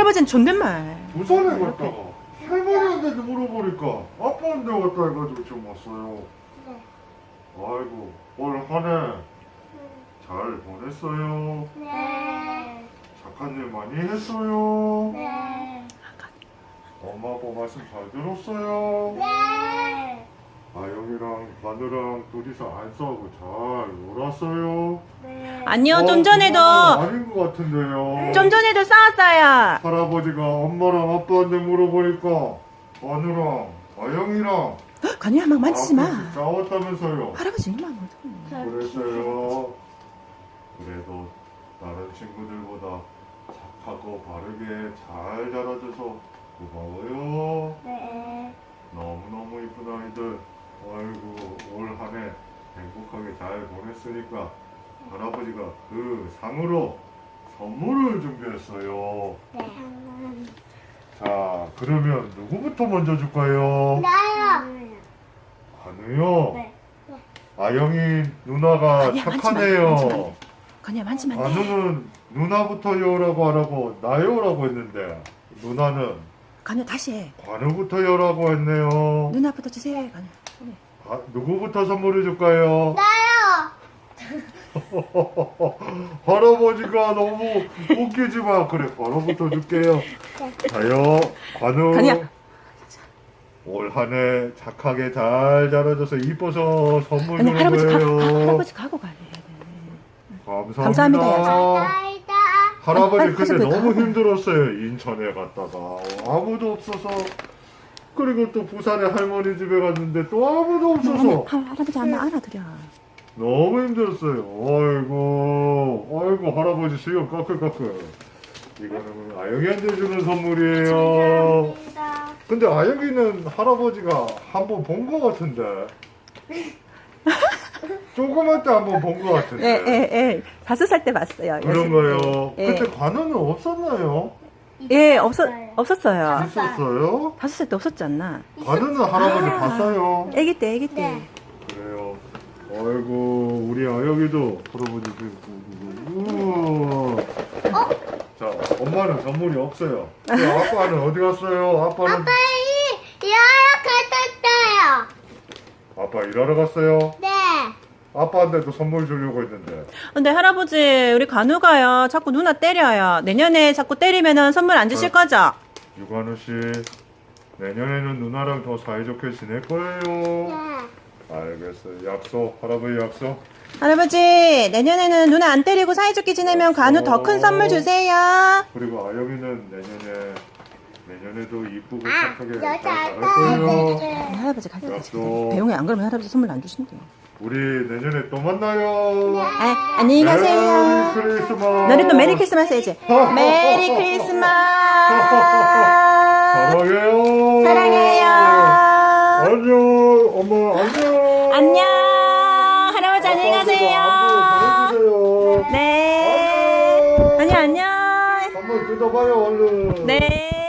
할아버지는 존댓말. 부산에 갔다가 할머니한테도 물어보니까 아빠한테 왔다 해가지고 지금 왔어요. 네. 아이고 올 한 해 잘 보냈어요. 네. 착한 일 많이 했어요. 네. 엄마 아빠 말씀 잘 들었어요. 네. 아영이랑 마누랑 둘이서 안 싸우고 잘 놀았어요. 네. 아니요, 좀 전에도, 그건 아닌 것 같은데요. 좀 전에도 싸웠어요. 할아버지가 엄마랑 아빠한테 물어보니까 마누랑 아영이랑 간이야, 막 만지지 마. 아버지 싸웠다면서요. 할아버지 이만 어떡해. 그랬어요. 그래도 다른 친구들보다 착하고 바르게 잘 자라줘서 고마워요. 네. 너무너무 이쁜 아이들. 아이고 올 한 해 행복하게 잘 보냈으니까 할아버지가 그 상으로 선물을 준비했어요. 네. 자 그러면 누구부터 먼저 줄까요? 나요. 간우요. 네. 아영이 누나가 아니야, 착하네요. 간이야, 만지면 안 돼. 간우는 누나부터요라고 하라고 나요라고 했는데 누나는 간이야, 다시 해. 관우부터요라고 했네요. 누나부터 주세요, 간이야. 누구부터 선물해 줄까요? 나요. 할아버지가 너무 웃기지만 그래 관우부터 줄게요. 자요 관우. 간이야. 올 한 해 착하게 잘 자라줘서 이뻐서 선물 아니, 주는 할아버지 거예요. 할아버지 가고 가야 돼. 감사합니다. 감사합니다. 나이다. 할아버지 아니, 근데 가서 너무 가고. 힘들었어요. 인천에 갔다가 아무도 없어서 그리고 또 부산에 할머니 집에 갔는데 또 아무도 없어서 할아버지 한번 알아들여. 너무 힘들었어요. 아이고 할아버지 수염 까끌까끌. 이거는 아영이한테 주는 선물이에요. 감사합니다. 근데 아영이는 할아버지가 한 번 본 것 같은데 조그만 때 한 번 본 것 같은데 예. 5살 때 봤어요. 그런 거요. 예. 그때 관우는 없었나요? 예, 있었어요. 없었어요. 있었어요? 5살 때 없었지 않나? 관우는 할아버지 봤어요. 애기 때. 네. 그래요. 아이고 우리 아영이도 할아버지 우와. 자 엄마는 선물이 없어요. 근데 아빠는 어디 갔어요? 아빠는 여러 갔었어요. 아빠 일하러 갔어요. 네. 아빠한테도 선물 주려고 했는데 근데 할아버지, 우리 간우가요, 자꾸 누나 때려요. 내년에 자꾸 때리면은 선물 안 주실 거죠? 유관우 씨 내년에는 누나랑 더 사이좋게 지낼 거예요. 네. 알겠어요. 약속 할아버지 약속. 할아버지, 내년에는 누나 안 때리고 사이좋게 지내면 간우 더 큰 선물 주세요. 그리고 아영이는 내년에도 이쁘고 아, 착하게 여자 잘 자랄 거예요. 아빠들. 할아버지 갈 때까지. 약속. 배웅이 안 그러면 할아버지 선물 안 주신대요. 우리 내년에 또 만나요. 안녕히 가세요. 메리 크리스마스. 너네 또 메리 크리스마스 해야지. 메리 크리스마스. 사랑해요. 사랑해요. 안녕. 엄마 안녕. 안녕. 할아버지 안녕히 가세요. 안부 전해주세요. 네. 안녕. 안녕. 한번 뜯어봐요 얼른. 네.